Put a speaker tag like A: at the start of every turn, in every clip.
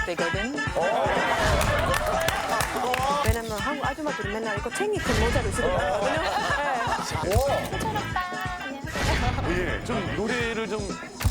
A: 때거든. 왜냐면 한국 아줌마들이 맨날 이거 챙이큰 모자를 쓰고 다니거든요.
B: 촌철오빠 안녕하세요.
C: 예, 좀 노래를 좀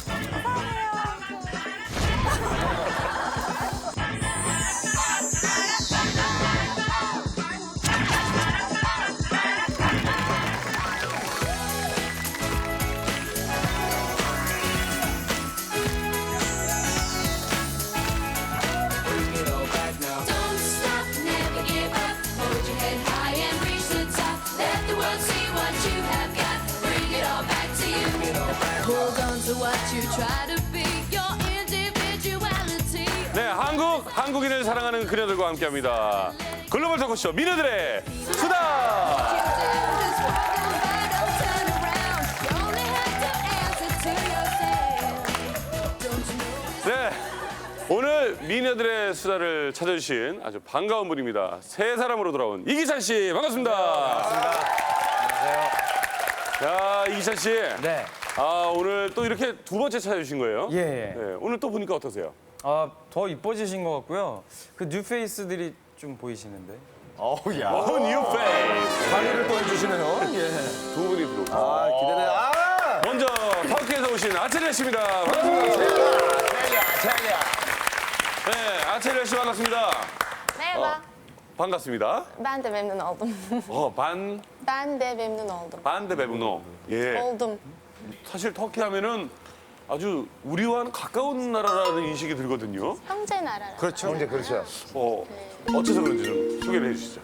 D: Don't stop, never give up. Hold your head high and reach the top. Let the world see what you have got. Bring it all back to you. Hold on to what you try to be. Your individuality.
C: 네, 한국인을 사랑하는 그녀들과 함께합니다. 글로벌 토크쇼 미녀들의 수다.
D: Just walk on by, don't turn around. You only have to answer to yourself. Don't you know?
C: 네, 오늘 미녀들의 수다를 찾아주신 아주 반가운 분입니다. 세 사람으로 돌아온 이기찬 씨 반갑습니다. 안녕하세요. 자, 이기찬 씨.
E: 네.
C: 아, 오늘 또 이렇게 두 번째 찾아주신 거예요?
E: 예.
C: 네, 오늘 또 보니까 어떠세요?
E: 더 이뻐지신 것 같고요. 그 뉴페이스들이 좀 보이시는데.
F: 어우야.
C: 뉴 페이스.
F: 관리를 또 해주시네요. 예.
C: 두 분이 들어오고.
F: 아, 기대돼. 아!
C: 먼저 터키에서 오신 아체리아 씨입니다. 반갑습니다.
F: 찰리야.
C: 네, 아체리아 씨 반갑습니다.
B: Merhaba.
C: 반갑습니다.
B: Ben de memnun oldum. Ben de memnun oldum.
C: 반데 베브노. 예.
B: Oldum.
C: 사실 터키 하면은 아주 우리와는 가까운 나라라는 인식이 들거든요.
B: 형제 나라라.
F: 그렇죠. 이제 그렇죠.
C: 어째서 그런지 좀 소개를 해주시죠.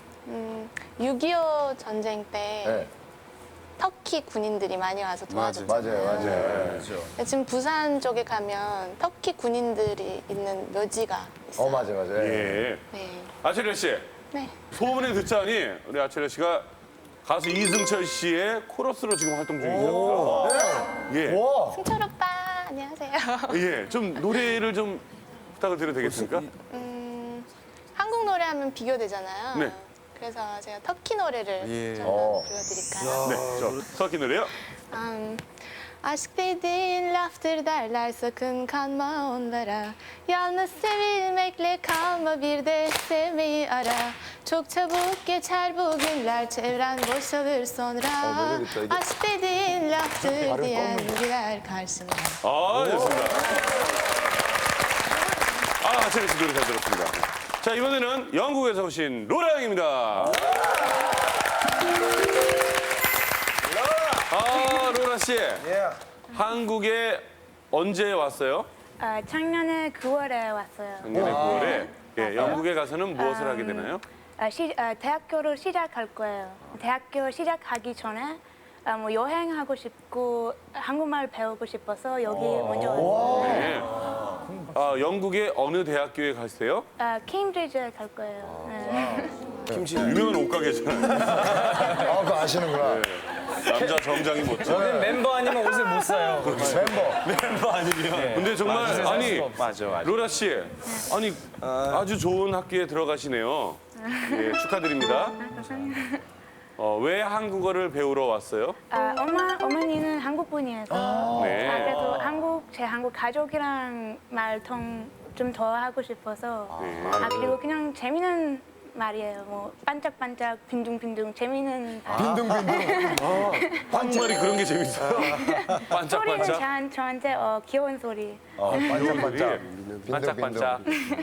B: 6.25 전쟁 때
F: 네.
B: 터키 군인들이 많이 와서 도와줬잖아요.
F: 맞아요.
B: 지금 부산 쪽에 가면 터키 군인들이 있는 묘지가 있어요.
F: 맞아요.
C: 예.
B: 네.
C: 아체리아 씨,
B: 네.
C: 소문에 듣자니 우리 아체리아 씨가 가수 이승철 씨의 코러스로 지금 활동 중이셨다. 예.
F: 와.
B: 승철 오빠 안녕하세요.
C: 예. 좀 노래를 좀 부탁을 드려도 되겠습니까?
B: 한국 노래하면 비교되잖아요.
C: 네.
B: 그래서 제가 터키 노래를 좀 불러드릴까요?
C: 네. 저 터키 노래요.
B: Aşk dediğin laftır derler sakın kanma onlara. Yalnız sevilmekle kalma bir de sevmeyi ara. Çok çabuk geçer bu günler çevren boşalır sonra. Aşk dediğin laftır diyen güler karşına.
C: 아, 좋습니다. 아, 아체리아 씨 노래 잘 들었습니다. 자, 이번에는 영국에서 오신 로라 양입니다. 아, 로라 씨. 한국에 언제 왔어요?
G: 작년에 9월에 왔어요.
C: 작년에 9월에. 예, 영국에 가서는 무엇을 하게 되나요?
G: 대학교를 시작할 거예요. 대학교 시작하기 전에 뭐 여행하고 싶고 한국말 배우고 싶어서 여기 먼저 왔어요.
C: 네. 아, 영국의 어느 대학교에 가세요?
G: 케임브리지에 갈 거예요. 네.
C: 유명한 옷가게잖아요.
F: 아, 그거 아시는구나.
C: 남자 정장이 멋져.
E: 저는 멤버 아니면 옷을 못 사요.
F: 멤버.
C: 근데 정말 아니
E: 맞아.
C: 로라 씨, 아니 아주 좋은 학교에 들어가시네요. 예, 축하드립니다. 왜 한국어를 배우러 왔어요?
G: 어머니는 한국 분이어서
C: 네.
G: 그래도 제 한국 가족이랑 말통 좀 더 하고 싶어서 그리고 그냥 재미있는 말이에요. 뭐 반짝반짝 빈둥빈둥 재미있는
C: 한국말이 그런 게 재밌어요.
G: 소리는
C: 반짝반짝.
G: 저한테 귀여운 소리.
F: 반짝반짝.
C: 반짝반짝.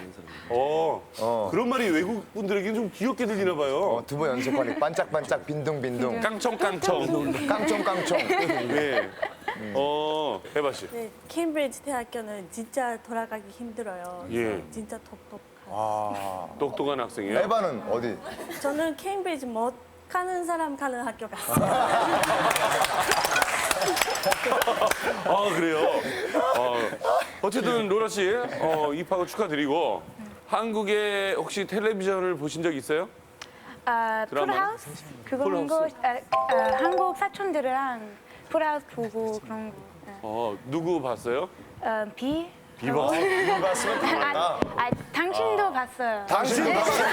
C: 그런 말이 외국 분들에게는 좀 귀엽게 들리나 봐요.
F: 두번 연속하니 반짝반짝 빈둥빈둥.
C: 깡총깡총.
F: 깡총깡총.
C: 네. 해바 씨.
H: 네, 케임브리지 대학교는 진짜 돌아가기 힘들어요.
C: 예.
H: 진짜 똑똑한.
C: 똑똑한 학생이에요.
F: 에바는 어디?
H: 저는 케임브리지 못 가는 사람 가는 학교 갔어요.
C: 아, 그래요? 어쨌든 로라 씨 입학을 축하드리고 한국에 혹시 텔레비전을 보신 적 있어요? 드라마?
G: 풀하우스? 그거 본 거, 한국 사촌들이랑 풀하우스 보고 그런 거.
C: 누구 봤어요?
G: 비?
C: 비 봤어?
F: 비 봤으면 다
G: 당신도 봤어요.
F: 당신도 봤어요.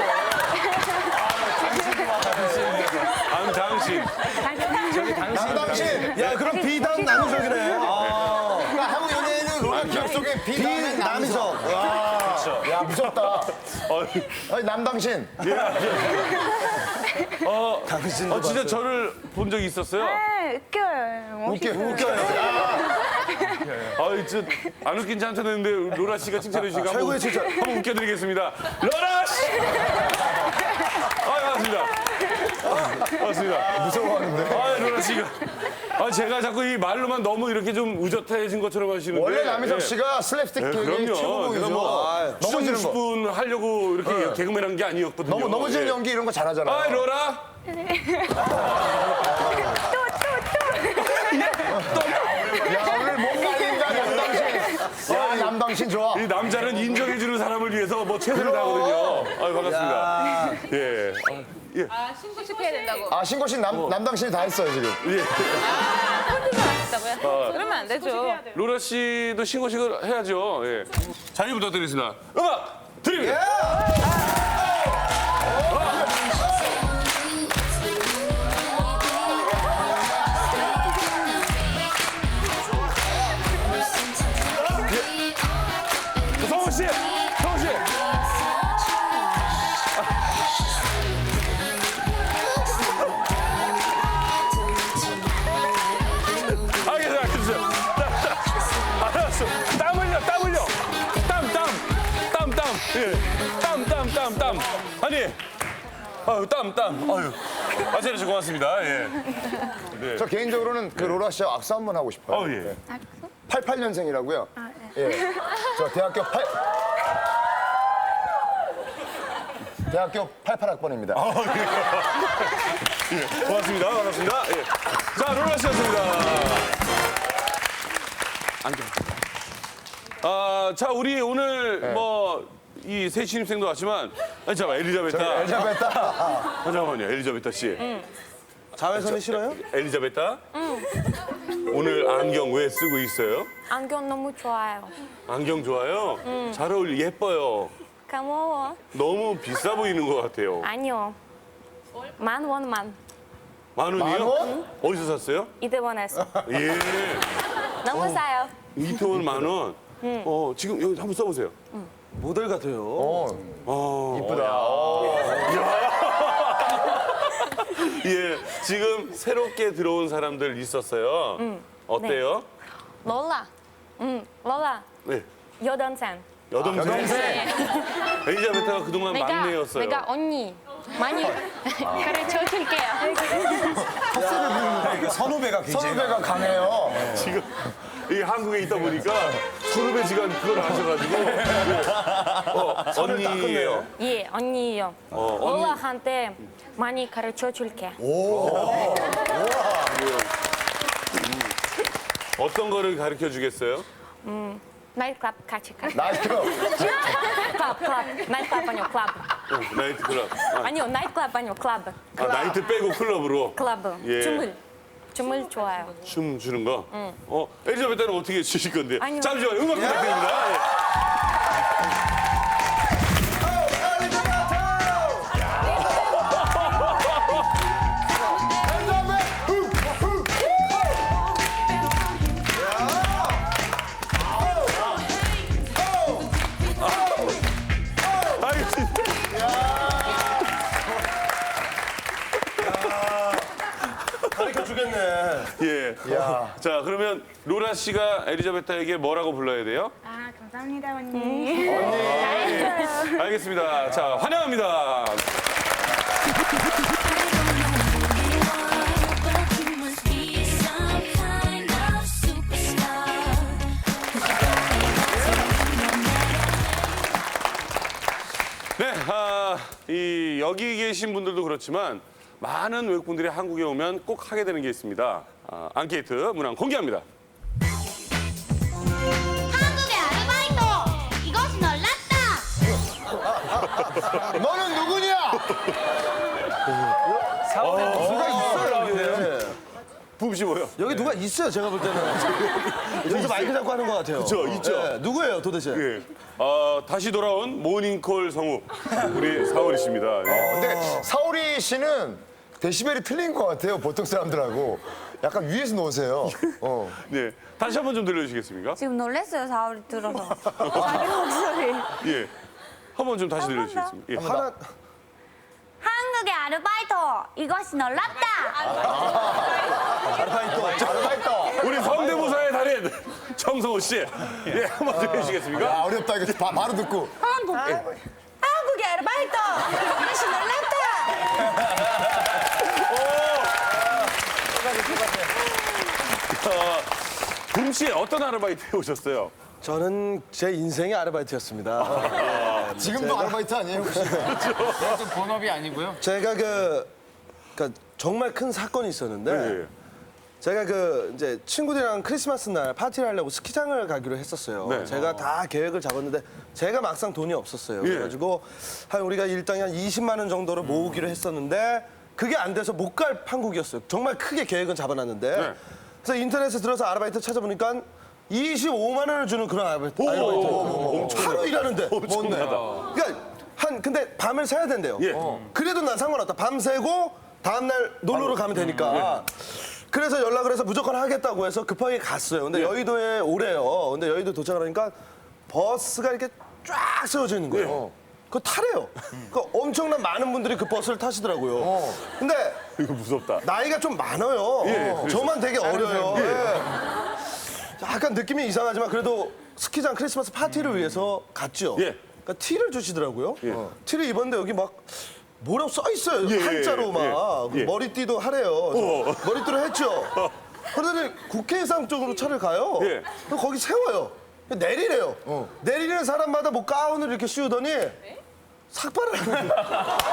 C: 당신.
F: 당신. 야, 그럼 비담 남희석이네. 그러니까 한국 연예인은 로라 기억 속에 비담 남희석. 야, 무섭다. 아니, 남당신.
C: 진짜 저를 본 적이 있었어요?
G: 네, 웃겨요.
F: 웃겨요.
C: 안 웃긴지 한참 했는데 로라 씨가 칭찬해 주시니까 한번,
F: 최고의 칭찬.
C: 한번 웃겨드리겠습니다. 로라 씨! 반갑습니다. 반갑습니다.
F: 무서워하는데.
C: 로라 씨가. 제가 자꾸 이 말로만 너무 이렇게 좀 의젓해진 것처럼 하시는데.
F: 원래 남희석
C: 예.
F: 씨가 슬랩스틱
C: 네,
F: 개그의
C: 그럼요.
F: 최고봉이죠.
C: 제가 뭐
F: 넘어지는 거.
C: 10분 하려고 이렇게 개그맨 한 게 아니었거든요.
F: 넘어지는
C: 예.
F: 연기 이런 거 잘하잖아요.
C: 로라.
F: 야, 오늘 몸 날린다, 남당신. 야, 남당신 좋아.
C: 이 남자는 인정해주는 사람을 위해서 뭐 최선을 다하거든요. 반갑습니다. 예.
B: 신고식해야 된다고.
F: 아, 신고신 남당신이 다 했어요, 지금.
B: 그러면 안 되죠.
C: 로라 씨도 신고식을 해야죠. 예. 자리 부탁드리겠습니다. 음악 드립니다. 성우 씨, 성우 씨. 알겠어요. 알았어. 땀 흘려. 땀. 예. 땀. 아니. 땀. 아유. 잘해주셔서 고맙습니다. 예. 네.
F: 저 개인적으로는 그 로라 씨와 악수 한번 하고 싶어요.
C: 예.
F: 88년생이라고요? 예. 저 대학교 88학번입니다.
C: 예. 고맙습니다. 반갑습니다. 예. 자, 로라 씨였습니다. 앉아. 자, 우리 오늘 이 새 신입생도 왔지만, 잠깐만, 엘리자베타.
F: 엘자베타.
C: 잠깐만요, 엘리자베타 씨.
F: 자외선이 싫어요?
C: 엘리자베타? 오늘 안경 왜 쓰고 있어요?
H: 안경 너무 좋아요.
C: 안경 좋아요? 잘 어울려, 예뻐요.
H: 고마워.
C: 너무 비싸 보이는 것 같아요.
H: 아니요. 만 원만.
C: 만 원이요?
F: 만 원?
C: 어디서 샀어요?
H: 이태원에서.
C: 예.
H: 너무 싸요.
C: 이태원 만 원? 지금 여기 한번 써보세요.
E: 모델 같아요.
F: 이쁘다.
C: 예, 지금 새롭게 들어온 사람들 있었어요. 어때요?
H: 롤라. 롤라.
C: 네.
H: 여동생.
C: 여동생? 엘리자베타가 그동안 막내였어요.
H: 내가 언니 많이 가르쳐 줄게요.
E: 선후배가 굉장히.
F: 선후배가 강해요.
C: 지금 이 한국에 있다 보니까 선후배 지간 그걸 아셔가지고 언니예요.
H: 예, 언니요.
C: 언니.
H: 롤라한테 많이 가르쳐 줄게.
C: 어떤 거를 가르쳐 주겠어요?
H: 나이트클럽 같이 가.
F: 나이트클럽.
H: 클럽. 나이트클럽 아니요, 클럽.
C: 나이트클럽.
H: 아니요, 나이트클럽 아니요, 클럽.
C: 나이트 빼고 클럽으로
H: 클럽.
C: 예.
H: 춤을 좋아요.
C: 춤 추는 거? 엘리자베타는 어떻게 추실 건데?
H: 아니요.
C: 잠시만요. 음악 부탁드립니다. 예.
F: 가르쳐 주겠네.
C: 예. 자, 그러면 로라 씨가 엘리자베타에게 뭐라고 불러야 돼요?
G: 아, 감사합니다, 언니.
C: 알겠습니다. 자, 환영합니다. 네, 여기 계신 분들도 그렇지만 많은 외국분들이 한국에 오면 꼭 하게 되는 게 있습니다. 앙케이트 문항 공개합니다.
I: 한국의 아르바이트 이것이 놀랐다.
F: 너는 누구냐?
E: 누가 있어요, 여기.
C: 부부 씨 뭐요?
E: 여기 누가 있어요, 제가 볼 때는. 여기서 마이크 잡고 하는 것 같아요.
C: 그쵸, 있죠.
E: 네, 누구예요, 도대체?
C: 예. 다시 돌아온 모닝콜 성우 우리 사오리 씨입니다. 예.
F: 근데 사오리 씨는 데시벨이 틀린 것 같아요, 보통 사람들하고. 약간 위에서 놓으세요.
C: 네, 다시 한번 좀 들려주시겠습니까?
H: 지금 놀랐어요, 사월이 들어서. 자기 목소리.
C: 예. 한번 좀 다시 들려주시겠습니까? 예.
F: 하나
I: 한국의 아르바이트 이것이 놀랍다.
F: 아르바이트.
C: 우리 성대모사의 달인 정성호 씨. 예, 한번 좀 해주시겠습니까?
F: 야, 어렵다 이거 바로 듣고.
H: 한국의 아르바이트 이것이 놀랍다.
C: 구름 씨 어떤 아르바이트에 오셨어요?
J: 저는 제 인생의 아르바이트였습니다.
F: 지금도 아르바이트 아니에요 혹시?
E: 본업이 아니고요.
J: 제가 그러니까 정말 큰 사건이 있었는데
C: 예.
J: 제가 이제 친구들이랑 크리스마스 날 파티를 하려고 스키장을 가기로 했었어요.
C: 네.
J: 제가 다 계획을 잡았는데 제가 막상 돈이 없었어요.
C: 예.
J: 그래가지고 우리가 일당이 한 20만 원 정도를 모으기로 했었는데 그게 안 돼서 못 갈 판국이었어요. 정말 크게 계획은 잡아놨는데
C: 네.
J: 그래서 인터넷에 들어서 아르바이트 찾아보니까 25만 원을 주는 그런 아르바이트. 하루 일하는데.
C: 엄청나다.
J: 그러니까 근데 밤을 새야 된대요.
C: 예.
J: 그래도 난 상관없다. 밤 새고 다음날 놀러로 가면 되니까. 그래서 연락을 해서 무조건 하겠다고 해서 급하게 갔어요. 근데 여의도에 오래요. 근데 여의도 도착을 하니까 버스가 이렇게 쫙 세워져 있는 거예요. 그거 타래요. 그 엄청난 많은 분들이 그 버스를 타시더라고요. 근데
C: 이거 무섭다.
J: 나이가 좀 많아요. 저만 되게 어려요. 예. 약간 느낌이 이상하지만 그래도 스키장 크리스마스 파티를 위해서 갔죠.
C: 예.
J: 그러니까 티를 주시더라고요. 티를 입었는데 여기 막 뭐라고 써 있어요.
C: 예,
J: 한자로 막
C: 예.
J: 머리띠도 하래요. 머리띠로 했죠. 그러더니 국회의상 쪽으로 차를 가요.
C: 예.
J: 그럼 거기 세워요. 내리래요. 내리는 사람마다 뭐 가운을 이렇게 씌우더니 삭발을 하는 거예요.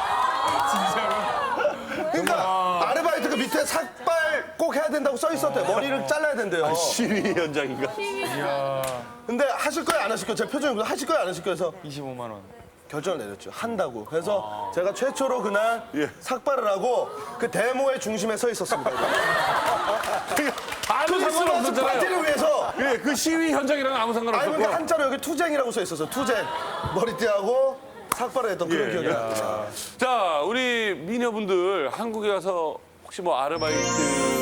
J: 그러니까 아르바이트 그 밑에 삭발 꼭 해야 된다고 써 있었대요. 머리를 잘라야 된대요.
C: 시위 현장인가?
J: 근데 하실 거예요, 안 하실 거예요? 제 표정이 하실 거예요, 안 하실 거예요? 그래서
E: 25만 원.
J: 결정을 내렸죠. 한다고. 그래서 제가 최초로 그날
C: 예.
J: 삭발을 하고 그 데모의 중심에 서 있었습니다.
C: 아무
J: 크리스마스
C: 상관없었잖아요.
J: 파티를 위해서.
C: 예, 그 시위 현장이랑 아무
J: 아니,
C: 상관없었고.
J: 근데 한자로 여기 투쟁이라고 써 있었어요. 투쟁. 머리띠하고 삭발을 했던 그런
C: 예,
J: 기억이
C: 예.
J: 납니다.
C: 자, 우리 미녀분들 한국에 와서 혹시 뭐 아르바이트